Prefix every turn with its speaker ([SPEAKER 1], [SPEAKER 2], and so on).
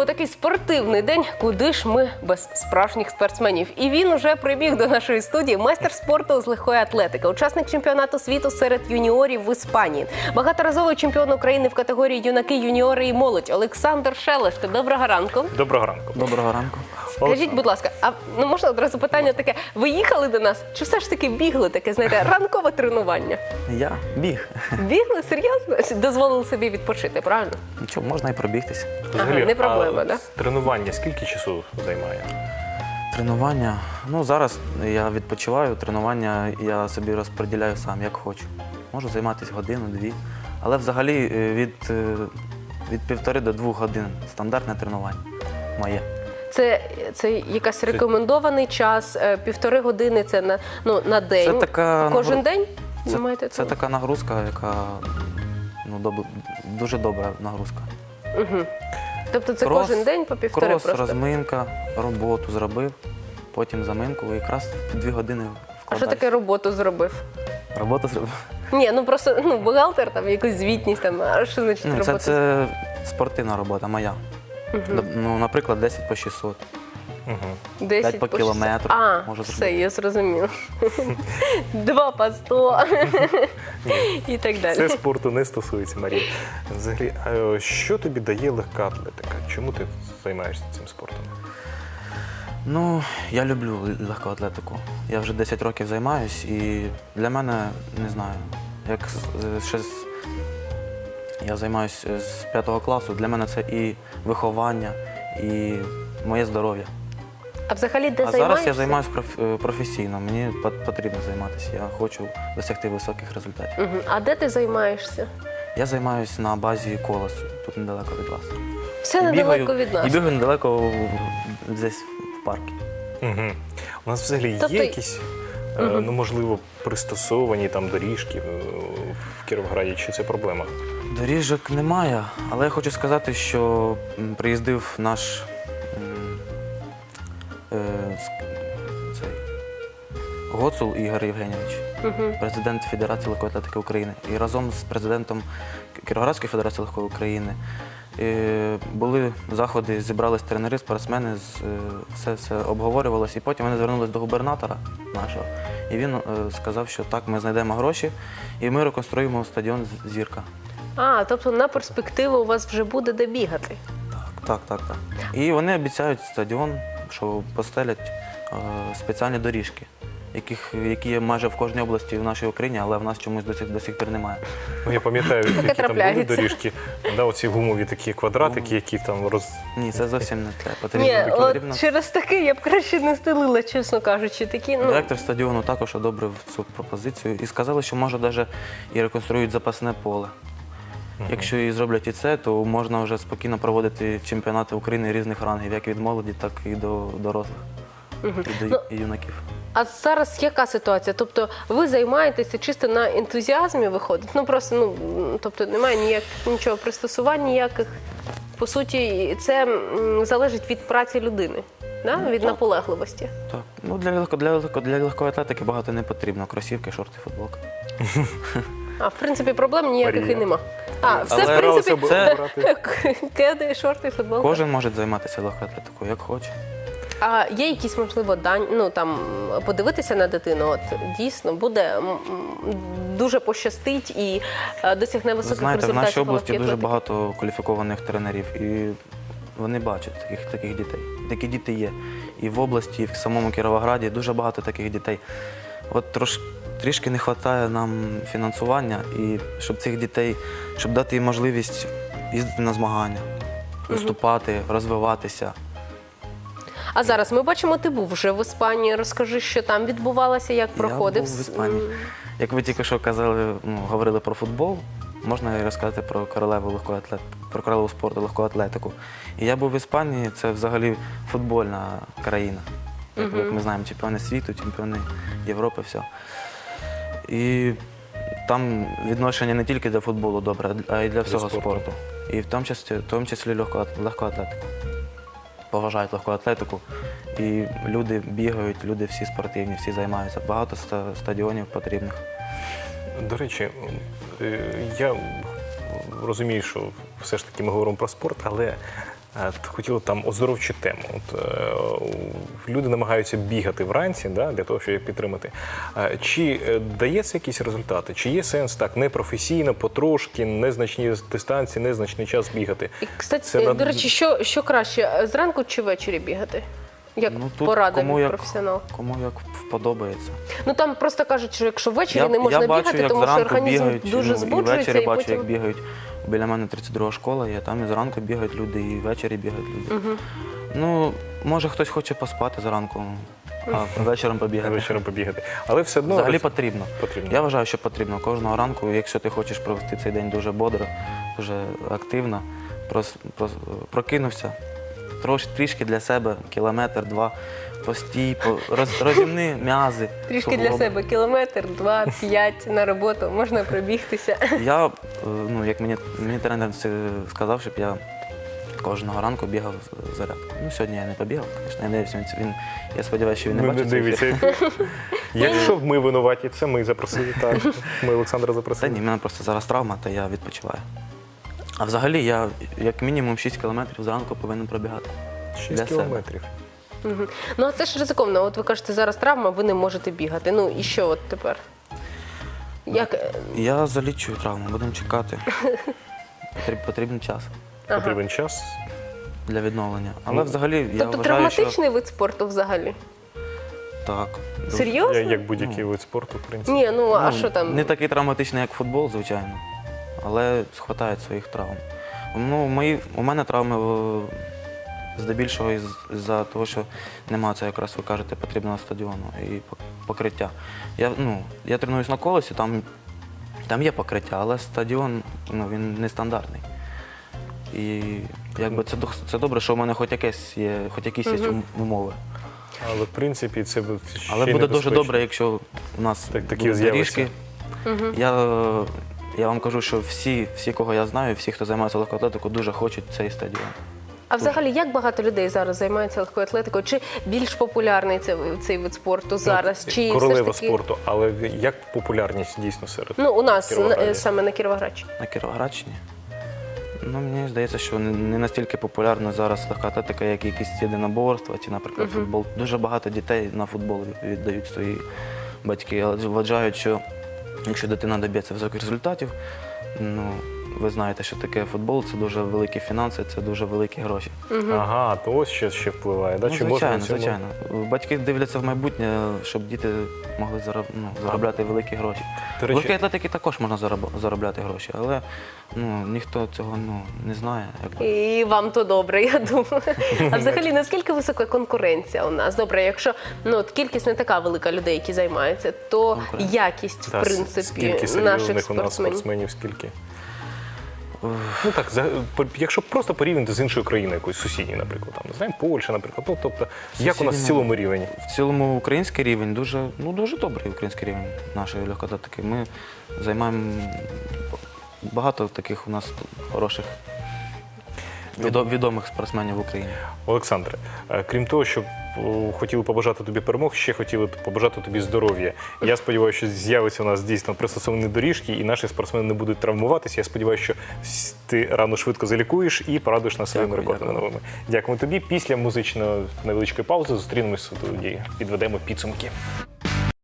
[SPEAKER 1] такий спортивний день. Куди ж ми без справжніх спортсменів? І він уже прибіг до нашої студії. Майстер спорту з легкої атлетики, учасник чемпіонату світу серед юніорів в Іспанії, багаторазовий чемпіон України в категорії юнаки, юніори і молодь Олександр Шелест. Доброго ранку.
[SPEAKER 2] Доброго ранку.
[SPEAKER 3] Доброго ранку.
[SPEAKER 1] Скажіть, будь ласка, а можна одразу питання таке? Ви їхали до нас? Чи все ж таки бігли таке, знаєте, ранкове тренування?
[SPEAKER 3] Я біг.
[SPEAKER 1] Бігли? Серйозно? Дозволили собі відпочити, правильно?
[SPEAKER 3] Нічого, можна і пробігтися.
[SPEAKER 2] Взагалі,
[SPEAKER 1] не проблема,
[SPEAKER 2] а
[SPEAKER 1] да?
[SPEAKER 2] Тренування скільки часу займає?
[SPEAKER 3] Тренування. Ну, зараз я відпочиваю, тренування я собі розподіляю сам, як хочу. Можу займатися годину-дві. Але взагалі від 1,5 до 2 годин стандартне тренування моє.
[SPEAKER 1] Це якийсь рекомендований час, 1,5 години, це на день?
[SPEAKER 3] Це така
[SPEAKER 1] Кожен день?
[SPEAKER 3] Це така нагрузка, яка дуже добра нагрузка.
[SPEAKER 1] Угу. Тобто це кожен день по 1,5
[SPEAKER 3] крос,
[SPEAKER 1] просто?
[SPEAKER 3] розминка, роботу зробив, потім заминку і якраз в 2 години
[SPEAKER 1] А що
[SPEAKER 3] вкладаюся.
[SPEAKER 1] таке роботу зробив?
[SPEAKER 3] Роботу зробив?
[SPEAKER 1] Ні, просто бухгалтер, там якусь звітність, там, а що значить робота?
[SPEAKER 3] Це спортивна робота моя. Ну, наприклад, 10 по 600.
[SPEAKER 2] Угу.
[SPEAKER 1] 10
[SPEAKER 3] по кілометру можу
[SPEAKER 1] все,
[SPEAKER 3] зробити.
[SPEAKER 1] я зрозуміла. 2 по 100 і так далі.
[SPEAKER 2] Це спорту не стосується, Марія. Взагалі, а що тобі дає легка атлетика? Чому ти займаєшся цим спортом?
[SPEAKER 3] Ну, я люблю легку атлетику. Я вже 10 років займаюсь і для мене, не знаю, як я займаюся з 5 класу, для мене це і виховання, і моє здоров'я.
[SPEAKER 1] А взагалі де
[SPEAKER 3] А
[SPEAKER 1] займаєшся?
[SPEAKER 3] зараз я займаюся професійно, мені потрібно займатися, я хочу досягти високих результатів.
[SPEAKER 1] Угу. А де ти займаєшся?
[SPEAKER 3] Я займаюся на базі «Колос», тут недалеко від вас.
[SPEAKER 1] Все недалеко від нас.
[SPEAKER 3] І бігаю недалеко десь в парку.
[SPEAKER 2] Угу. У нас взагалі
[SPEAKER 1] Тобто-
[SPEAKER 2] є якісь, ну, можливо, пристосовані там доріжки в Кіровограді, чи це проблема?
[SPEAKER 3] Доріжок немає, але я хочу сказати, що приїздив наш цей Гоцул Ігор Євгенійович, президент Федерації легкої атлетики України. І разом з президентом Кіровоградської Федерації легкої України були заходи, зібрались тренери, спортсмени, все обговорювалося. І потім вони звернулися до губернатора нашого, і він сказав, що так, ми знайдемо гроші, і ми реконструюємо стадіон «Зірка».
[SPEAKER 1] А, тобто на перспективу у вас вже буде де бігати.
[SPEAKER 3] Так. І вони обіцяють стадіон, що постелять спеціальні доріжки, які є майже в кожній області в нашій Україні, але в нас чомусь до сих пір немає.
[SPEAKER 2] Ну, я пам'ятаю, які там були
[SPEAKER 1] трапляється.
[SPEAKER 2] доріжки, оці гумові такі квадратики, які там
[SPEAKER 3] Ні, це зовсім не те.
[SPEAKER 1] Ні,
[SPEAKER 3] Потрібно.
[SPEAKER 1] от через таке я б краще не стелила, чесно кажучи. Такі,
[SPEAKER 3] Директор стадіону також одобрив цю пропозицію і сказали, що може навіть і реконструюють запасне поле. Якщо і зроблять і це, то можна вже спокійно проводити чемпіонати України різних рангів, як від молоді, так і до дорослих, і до юнаків.
[SPEAKER 1] А зараз яка ситуація? Тобто ви займаєтеся чисто на ентузіазмі виходить? Просто, тобто немає нічого пристосувань ніяких. По суті, це залежить від праці людини, да? Від наполегливості.
[SPEAKER 3] Так. Ну, для легкої атлетики багато не потрібно. Кросівки, шорти, футболка.
[SPEAKER 1] А в принципі проблем ніяких
[SPEAKER 2] Марія.
[SPEAKER 1] і нема. А, все
[SPEAKER 3] Але
[SPEAKER 1] в принципі
[SPEAKER 3] це-
[SPEAKER 1] кеди, шорти, футболка.
[SPEAKER 3] Кожен може займатися легкою атлетикою, як хоче.
[SPEAKER 1] А є якісь, можливо, подивитися на дитину, от дійсно буде дуже пощастить і досягне
[SPEAKER 3] Ви
[SPEAKER 1] високих
[SPEAKER 3] знаєте, в
[SPEAKER 1] результатів.
[SPEAKER 3] нашій області
[SPEAKER 1] легкої
[SPEAKER 3] дуже
[SPEAKER 1] атлетики?
[SPEAKER 3] багато кваліфікованих тренерів, і вони бачать таких дітей. Такі діти є. І в області, і в самому Кіровограді дуже багато таких дітей. От трішки не вистачає нам фінансування, і щоб цих дітей, щоб дати їм можливість їздити на змагання, виступати, розвиватися.
[SPEAKER 1] А зараз ми бачимо, ти був вже в Іспанії. Розкажи, що там відбувалося, як проходив.
[SPEAKER 3] Я був в Іспанії. Як ви тільки що казали, говорили про футбол, можна і розказати про королеву спорту, легку атлетику. І я був в Іспанії, це взагалі футбольна країна. Як ми знаємо, чемпіони світу, чемпіони Європи, все. І там відношення не тільки до футболу добре, а й для всього спорту. І в тому числі легку атлетику. Поважають легку атлетику. І люди бігають, люди всі спортивні, всі займаються. Багато стадіонів потрібних.
[SPEAKER 2] До речі, я розумію, що все ж таки ми говоримо про спорт, але хотіли там оздоровчу тему. Люди намагаються бігати вранці, да, для того, щоб їх підтримати. Чи дає це якісь результати? Чи є сенс так непрофесійно, потрошки, незначні дистанції, незначний час бігати?
[SPEAKER 1] І, кстати,
[SPEAKER 2] Це
[SPEAKER 1] до речі, що краще, зранку чи ввечері бігати? Як
[SPEAKER 3] тут
[SPEAKER 1] порада
[SPEAKER 3] кому
[SPEAKER 1] від
[SPEAKER 3] як,
[SPEAKER 1] професіонала?
[SPEAKER 3] Кому як подобається.
[SPEAKER 1] Ну там просто кажуть, що якщо ввечері не можна
[SPEAKER 3] я бачу,
[SPEAKER 1] бігати,
[SPEAKER 3] як
[SPEAKER 1] тому що
[SPEAKER 3] зранку
[SPEAKER 1] організм
[SPEAKER 3] бігають,
[SPEAKER 1] дуже
[SPEAKER 3] ну, і
[SPEAKER 1] збуджується,
[SPEAKER 3] ввечері
[SPEAKER 1] і
[SPEAKER 3] бачу,
[SPEAKER 1] потім...
[SPEAKER 3] як бігають. Біля мене 32 школа є, там і зранку бігають люди, і ввечері бігають люди. Ну, може хтось хоче поспати зранку, а вечором побігати.
[SPEAKER 2] Вечором побігати. Але все одно
[SPEAKER 3] Взагалі потрібно.
[SPEAKER 2] потрібно.
[SPEAKER 3] Я вважаю, що потрібно кожного ранку, якщо ти хочеш провести цей день дуже бодро, дуже активно, прокинувся, трішки для себе, кілометр-два, постій, розімни м'язи.
[SPEAKER 1] Трішки для
[SPEAKER 3] суглоби.
[SPEAKER 1] себе кілометр, 2, 5 на роботу, можна пробігтися.
[SPEAKER 3] Я, ну, як мені тренер сказав, щоб я кожного ранку бігав зарядку. Ну, сьогодні я не побігав, звісно, я надіюсь, я сподіваюся, що він не
[SPEAKER 2] Не
[SPEAKER 3] бачить цей ефір.
[SPEAKER 2] дивиться. Якщо б ми винуваті, це ми запросили, так. Ми Олександра
[SPEAKER 3] Та
[SPEAKER 2] запросили.
[SPEAKER 3] ні, в мене просто зараз травма, то я відпочиваю. А взагалі я як мінімум 6 кілометрів зранку повинен пробігати.
[SPEAKER 2] 6
[SPEAKER 3] для себе.
[SPEAKER 2] кілометрів.
[SPEAKER 1] Мгм. Ну а це ж ризиковано. От ви кажете, зараз травма, ви не можете бігати. Ну і що от тепер? Як?
[SPEAKER 3] Я залічую травму, будемо чекати. Потрібен час
[SPEAKER 2] Потрібен час.
[SPEAKER 3] для відновлення. Але
[SPEAKER 2] Ну,
[SPEAKER 3] взагалі я
[SPEAKER 1] Тобто
[SPEAKER 3] вважаю, що
[SPEAKER 1] травматичний вид спорту взагалі?
[SPEAKER 3] так.
[SPEAKER 1] Серйозно?
[SPEAKER 2] Як будь-який вид спорту, в принципі.
[SPEAKER 1] Ні, ну а
[SPEAKER 3] Ну,
[SPEAKER 1] що там?
[SPEAKER 3] Не такий травматичний, як футбол, звичайно, але схватають своїх травм. Ну, у мене травми здебільшого із-за того, що немає це, якраз ви кажете, потрібного стадіону і покриття. Я тренуюсь на колесі, там є покриття, але стадіон він нестандартний. І якби це добре, що в мене хоч якісь є умови.
[SPEAKER 2] Але в принципі це ще
[SPEAKER 3] Але
[SPEAKER 2] й
[SPEAKER 3] буде дуже
[SPEAKER 2] небезпечно.
[SPEAKER 3] добре, якщо у нас
[SPEAKER 2] такі
[SPEAKER 3] будуть
[SPEAKER 2] з'являться.
[SPEAKER 3] доріжки. Я вам кажу, що всі, кого я знаю, всі, хто займається легкоатлетикою, дуже хочуть цей стадіон.
[SPEAKER 1] А взагалі, як багато людей зараз займається легкою атлетикою? Чи більш популярний цей вид спорту зараз? Чи
[SPEAKER 2] Королева
[SPEAKER 1] все ж таки...
[SPEAKER 2] спорту, але як популярність дійсно серед
[SPEAKER 1] Ну, у нас
[SPEAKER 2] Кіровограді?
[SPEAKER 1] саме на Кіровоградщині.
[SPEAKER 3] На Кіровоградщині? Ну, мені здається, що не настільки популярна зараз легка атлетика, як якісь єдиноборства чи, наприклад, футбол. Дуже багато дітей на футбол віддають свої батьки, але вважають, що якщо дитина доб'ється високих результатів, ви знаєте, що таке футбол, це дуже великі фінанси, це дуже великі гроші.
[SPEAKER 2] Ага, то ось ще впливає. Да?
[SPEAKER 3] Ну,
[SPEAKER 2] Чи можна
[SPEAKER 3] звичайно,
[SPEAKER 2] на цьому-
[SPEAKER 3] звичайно. Батьки дивляться в майбутнє, щоб діти могли заробляти великі гроші.
[SPEAKER 2] До
[SPEAKER 3] В
[SPEAKER 2] речі,
[SPEAKER 3] легкій атлетики також можна заробляти гроші, але ніхто цього не знає. Якби.
[SPEAKER 1] І вам то добре, я думаю. А взагалі, наскільки висока конкуренція у нас? Добре, якщо от кількість не така велика людей, які займаються, то
[SPEAKER 3] Конкуренція.
[SPEAKER 1] якість,
[SPEAKER 2] та,
[SPEAKER 1] в принципі,
[SPEAKER 2] скільки
[SPEAKER 1] наших
[SPEAKER 2] серйозних у нас
[SPEAKER 1] спортсменів.
[SPEAKER 2] спортсменів, скільки? Ну так, якщо просто порівняти з іншою країною, якоюсь сусідньою, наприклад, там, не знаю, Польща, наприклад. Ну, тобто, як у нас в
[SPEAKER 3] Сусідня-
[SPEAKER 2] цілому рівень?
[SPEAKER 3] В цілому український рівень дуже добрий український рівень нашої легкоатлетики. Ми займаємо багато таких у нас хороших відомих спортсменів в Україні.
[SPEAKER 2] Олександре, крім того, що хотіли побажати тобі перемог, ще хотіли побажати тобі здоров'я. Я сподіваюся, що з'явиться у нас дійсно пристосовані доріжки, і наші спортсмени не будуть травмуватися. Я сподіваюся, що ти рано швидко залікуєш і порадуєш нас своїми
[SPEAKER 3] Дякую,
[SPEAKER 2] рекордами
[SPEAKER 3] дякую.
[SPEAKER 2] новими. Дякуємо тобі. Після музичної невеличкої паузи зустрінемось у студії, підведемо підсумки.